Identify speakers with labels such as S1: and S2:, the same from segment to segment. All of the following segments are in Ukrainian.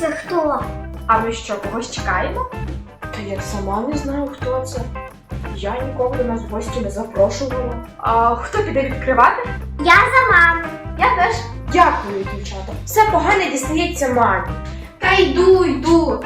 S1: це хто?
S2: А ми що, когось чекаємо? Та я сама не знаю, хто це. Я нікого до нас в гості не запрошувала. А хто піде відкривати?
S1: Я за маму.
S2: Я теж. Дякую, дівчата. Все погане дістається мамі. Та йду.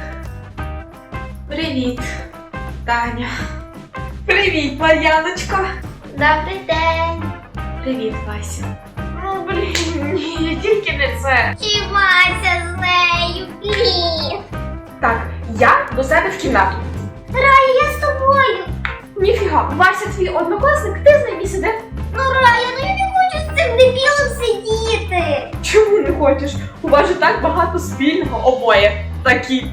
S2: Привіт, Таня. Привіт, Мар'яночко.
S1: Добрий день.
S2: Привіт, Вася. Ну, блін, ні, тільки не це.
S1: Чівайся з нею, блін.
S2: Так, я до себе в кімнату.
S1: Рая, я з тобою.
S2: Ніфіга, Вася твій однокласник, ти з ним і сиди.
S1: Ну, Рая, ну я не хочу з цим дебілом сидіти.
S2: Чому не хочеш? У вас же так багато спільного обоє. Такі.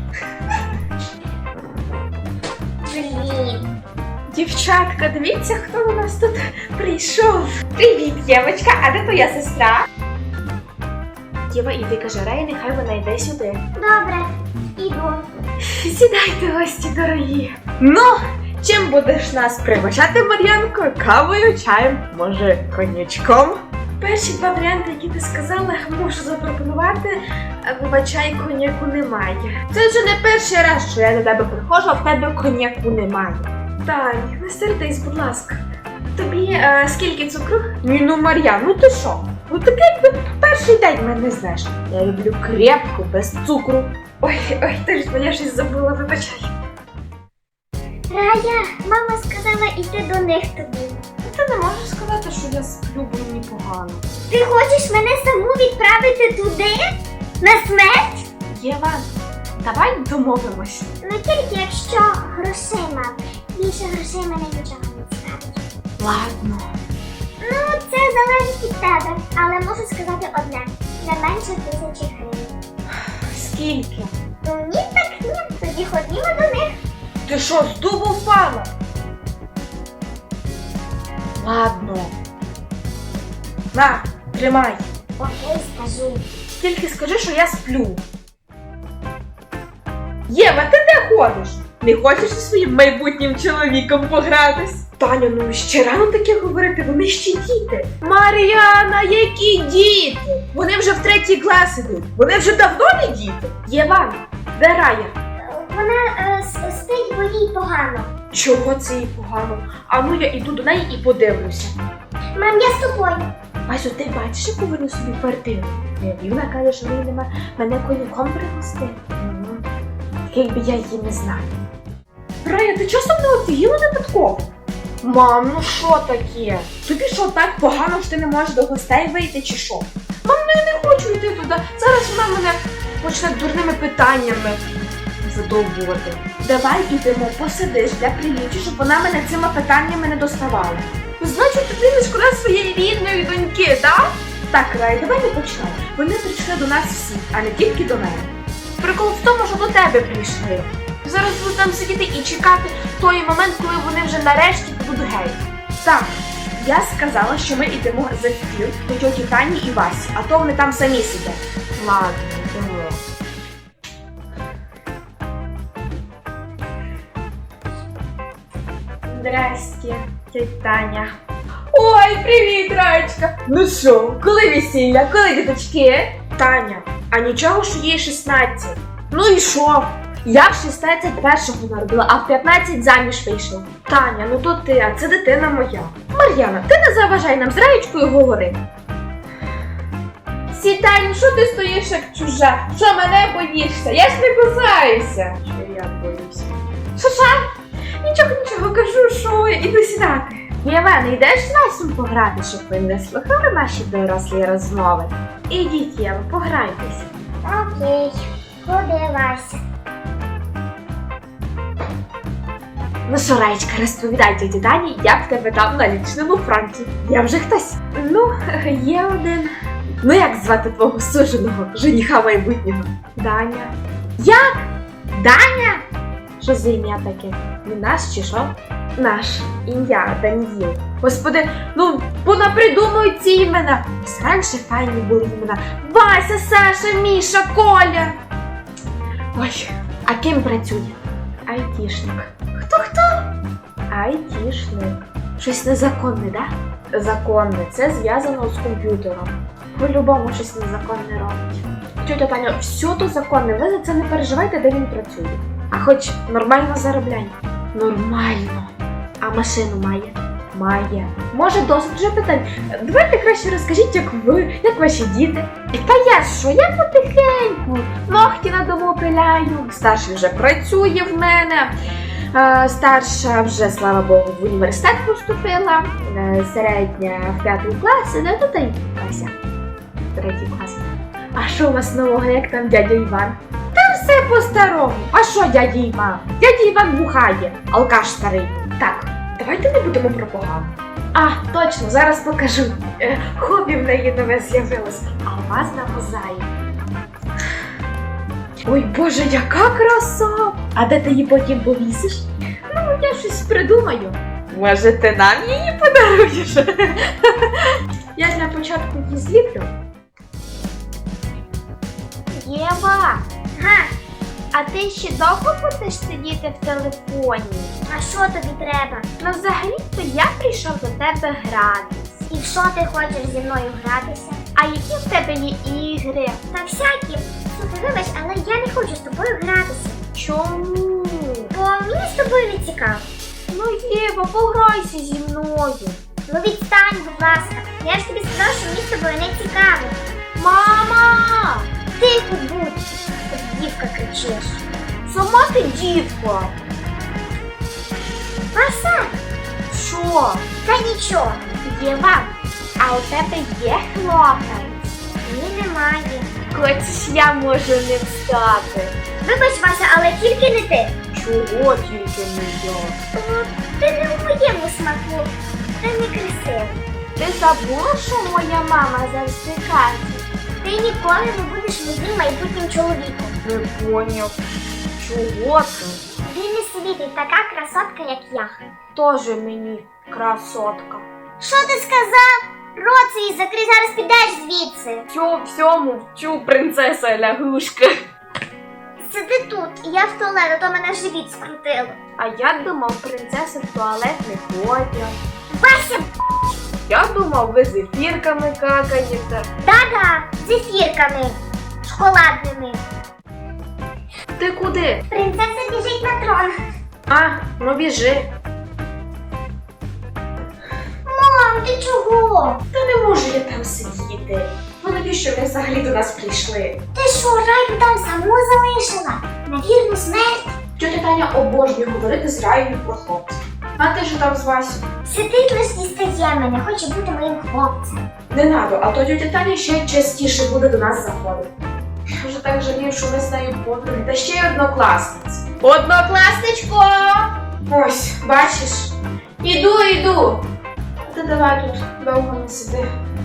S1: Блін.
S2: Дівчатка, дивіться, хто у нас тут прийшов. Привіт, Євочка, а де твоя сестра? Єва, іди, каже Рей, нехай вона йде сюди.
S1: Добре, іду.
S2: Сідайте, гості дорогі. Ну, чим будеш нас пригощати, Мар'янко? Кавою, чаєм, може, коньячком? Перші два варіанти, які ти сказала, можу запропонувати, вибачай, коньяку немає. Це вже не перший раз, що я до тебе приходжу, а в тебе коньяку немає. Тань, не сердись, будь ласка. Тобі скільки цукру? Ні, ну Мар'ян, ну ти що? Ну таке якби перший день мене знаєш. Я люблю крепку, без цукру. Ой, точно, я щось забула, вибачай.
S1: Рая, мама сказала йти до них тобі.
S2: Ти не можеш сказати, що я сплю, бо мені погано.
S1: Ти хочеш мене саму відправити туди? На смерть?
S2: Єва, давай домовимось.
S1: Ну тільки якщо грошима. Більше грошей мене нічого не цікавить.
S2: Ладно.
S1: Ну, це залежить від тебе, але можу сказати одне. Не менше 1000 гривень.
S2: Скільки?
S1: Ну ні, так ні. Тоді ходімо до них.
S2: Ти що, з дубу впала? Ладно. На, тримай.
S1: Окей, скажу.
S2: Тільки скажи, що я сплю. Єва, ти де ходиш? Не хочеш зі своїм майбутнім чоловіком погратись? Таня, ну ще рано таке говорити, вони ще діти. Мар'яна, які діти? Вони вже в 3 клас ідуть. Вони вже давно не діти. Єва, де Рая?
S1: Вона спить, бо їй погано.
S2: Чого це їй погано? А ну я іду до неї і подивлюся.
S1: Мам, я з тобою.
S2: Васю, ти бачиш, яку вони собі квартиру? І вона каже, що неї нема мене коньяком пригостити. Якби я її не знаю. Рая, ти часом не офігіла випадково? Мам, ну що таке? Тобі що, так погано, що ти не можеш до гостей вийти чи що? Мам, ну я не хочу йти туди. Зараз вона мене почне дурними питаннями задовбувати. Давай ідемо, посидиш для приліччя, щоб вона мене цими питаннями не доставала. Значить, тобі не шкода своєї рідної доньки, так? Так, Рай, давай не почнемо. Вони прийшли до нас всі, а не тільки до мене. Прикол в тому, що до тебе прийшли. Зараз буду там сидіти і чекати той момент, коли вони вже нарешті будуть геть. Так, я сказала, що ми йдемо за стіл до тьоті Тані і Васі, а то вони там самі сидять. Ладно, йдемо. Здрасте, тьотя Таня. Ой, привіт, Раєчка! Ну що, коли весілля, коли діточки? Таня, а нічого, що їй 16. Ну і що? Я в 16 першого народила, а в 15 заміж вийшла. Таня, ну то ти, а це дитина моя. Мар'яна, ти не заважай нам з Раєчкою говорити. Сітань, що ти стоїш як чужа? Що мене боїшся? Я ж не кусаюся. Що я боюся? Що? Нічого, кажу, що іду сідати. Єва, не йдеш з Васем пограти, щоб ви не слухали наші дорослі розмови? Ідіть, Єва, пограйтеся.
S1: Окей, ходи, Вася.
S2: Ну що, Раєчка, розповідай тьоті Тані, як тебе там на лічному фронті. Я вже хтось? Ну, є один. Ну як звати твого суженого, жениха майбутнього? Даня. Як? Даня? Що за ім'я таке? Не наш чи що? Наш. Ім'я Даніїл. Господи, ну понапридумують ці імена. Ось раніше файні були імена. Вася, Саша, Міша, Коля. Ой, а ким працює? Айтішник. Хто? Айтішник. Щось незаконне, да? Законне. Це зв'язано з комп'ютером. По-любому щось незаконне робить. Тетя Таня, все то законне, ви за це не переживайте, де він працює. А хоч нормально заробляє? Нормально. А машину має? Має. Може, досить вже питань. Давайте краще розкажіть, як ви, як ваші діти. Та я що, я потихеньку. Ногті на дому пиляю. Старший вже працює в мене. Старша вже, слава Богу, в університет поступила. Середня в 5 клас. Ну, то й Вася. 3 клас. А що у вас нового, як там дядя Іван? Там все по-старому. А що дядя Іван? Дядя Іван бухає, алкаш старий. Так, давайте не будемо про погану. А, точно, зараз покажу. Хобі в неї нове з'явилось. А у вас на мозаї. Ой, Боже, яка краса! А де ти її потім повісиш? Ну, я щось придумаю. Може, ти нам її подаруєш? Я для початку її зліплю.
S1: Єва,
S2: Га, а ти ще довго будеш сидіти в телефоні?
S1: а що тобі треба?
S2: Ну, взагалі-то я прийшов до тебе гратись.
S1: І в що ти хочеш зі мною гратися?
S2: А які в тебе є ігри?
S1: Та всякі. Слухай, вибач, але я не хочу з тобою гратися.
S2: Чому?
S1: Бо мені з тобою не цікаво.
S2: Ну, Єва, пограйся зі мною.
S1: Ну відстань, будь ласка. Я ж тобі сказала, що мені з тобою не цікаво.
S2: Мама!
S1: Тихо будь, як дівка кричиш.
S2: Сама ти дівка.
S1: Вася,
S2: Що?
S1: та нічого.
S2: Єва, а у тебе є хлопець?
S1: Ні, немає.
S2: Хочеш, я можу не встати.
S1: Вибач, Вася, але тільки не ти.
S2: Чого тільки не я?
S1: Ти не в моєму смаку. Ти не красивий.
S2: Ти забула, що моя мама завжди каже?
S1: Ти ніколи не будеш моїм майбутнім чоловіком.
S2: Не поняв. Чого ти?
S1: Він не собі, ти така красотка, як я.
S2: Тоже мені красотка.
S1: Що ти сказав? Рот свій закрий, зараз підеш звідси.
S2: Всьому вчу принцеса лягушка.
S1: Сиди тут, і я в туалет, а то мене живіт скрутило.
S2: А я думав, принцеси в туалет не ходять.
S1: Вася,
S2: Я думав, ви з ефірками какаєте.
S1: да-да, з ефірками шоколадними.
S2: Ти куди?
S1: Принцеса біжить на трон.
S2: А, ну біжи.
S1: Мам, ти чого?
S2: Та не можу я там сидіти. Ну навіщо ви взагалі до нас прийшли?
S1: Ти що, Раю там саму залишила? На вірну смерть?
S2: Тетя Таня обожнює говорити з Раєю про хлопців. А ти що там з Васю?
S1: Сидить лиш дістає мене, хоче бути моїм хлопцем.
S2: Не надо, а то тетя Таня ще частіше буде до нас заходити. Я вже так жалію, що ми з нею подруги, та ще й однокласниці. Однокласничко! Ось, бачиш? Іду. А ти давай тут довго не сиди.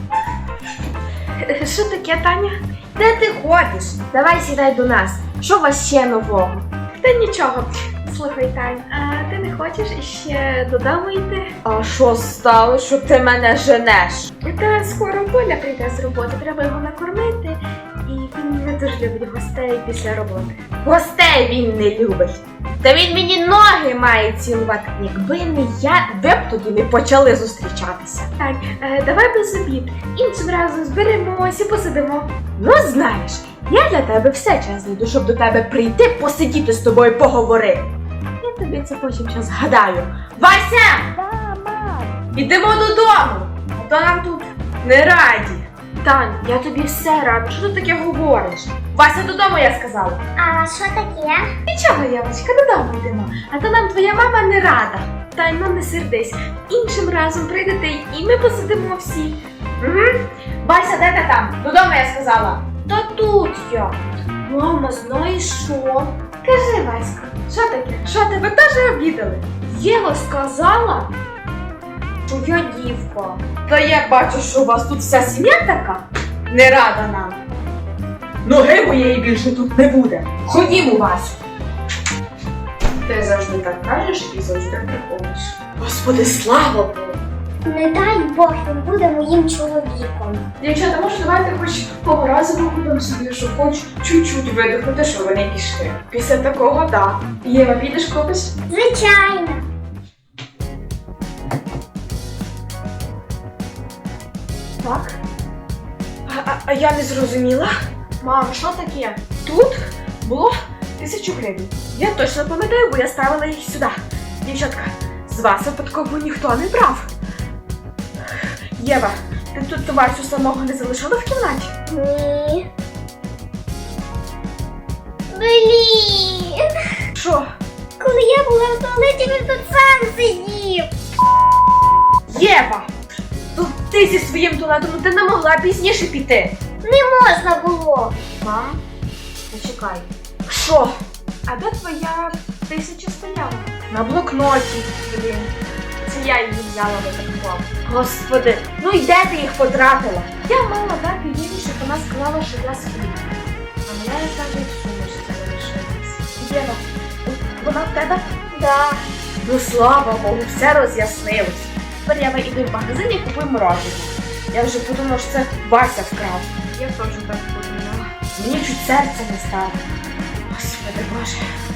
S2: Що таке, Таня? Де ти ходиш? Давай сідай до нас. Що у вас ще нового? Та нічого. Слухай, Тань, а ти не хочеш іще додому йти? А що стало, що ти мене женеш? Та скоро Коля прийде з роботи, треба його накормити. І він не дуже любить гостей після роботи. Гостей він не любить. Та він мені ноги має цілувати. Якби не я, ви б тоді не почали зустрічатися. Так, давай без обід. Іншим разом зберемося і посидимо. Ну знаєш, я для тебе все час знайду, щоб до тебе прийти, посидіти з тобою, поговорити. Я тобі це потім час згадаю. Вася!
S1: Да, мам.
S2: Ідемо додому, а то нам тут не раді. Тань, я тобі все рада. Що ти таке говориш? Вася, додому, я сказала.
S1: А що таке?
S2: Нічого, Євочка, додому йдемо. А то нам твоя мама не рада. Тань, ну не сердись. Іншим разом прийдете і ми посидимо всі. Угу. Вася, де ти там? Додому, я сказала. Та тут я. Мама, знаєш що? Кажи, Васька, що таке? Що тебе теж обідали? Єва сказала, що я дівка. Та я бачу, що у вас тут вся сім'я така не рада нам. Ноги моєї більше тут не буде. Ходімо, Васю. Ти завжди так кажеш і завжди приходиш. Господи, слава Богу.
S1: Не дай Бог, він буде моїм чоловіком.
S2: Дівчата, може, давайте хоч того разу походимо собі, щоб хоч чуть-чуть видихнути, що вони пішли. Після такого, так. Єва, підеш кудись?
S1: Звичайно.
S2: Так. А я не зрозуміла. Мам, що таке? Тут було 1000 гривень. Я точно пам'ятаю, бо я ставила їх сюди. Дівчатка, з вас випадково ніхто не брав. Єва, ти тут Васю самого не залишила в кімнаті?
S1: Ні. Блін.
S2: Що?
S1: Коли я була в туалеті, він тут сам сидів.
S2: Єва! Тут ти зі своїм туалетом, ну ти не могла пізніше піти.
S1: Не можна було.
S2: Мам, почекай. Що? А де твоя 1000 стояла? На блокноті, блін. Це я її взяла випадково. Господи, ну і де ти їх потратила? Я мала дати їй, щоб вона сказала, що я сплю. А мене навіть в сумочці залишилась. Єва, вона в тебе?
S1: Да.
S2: Ну слава Богу, все роз'яснилось. Тепер я йду в магазин і купую мороженое. Я вже подумала, що це Вася вкрав. Я теж так подумала. Мені чуть серце не стало. Господи Боже.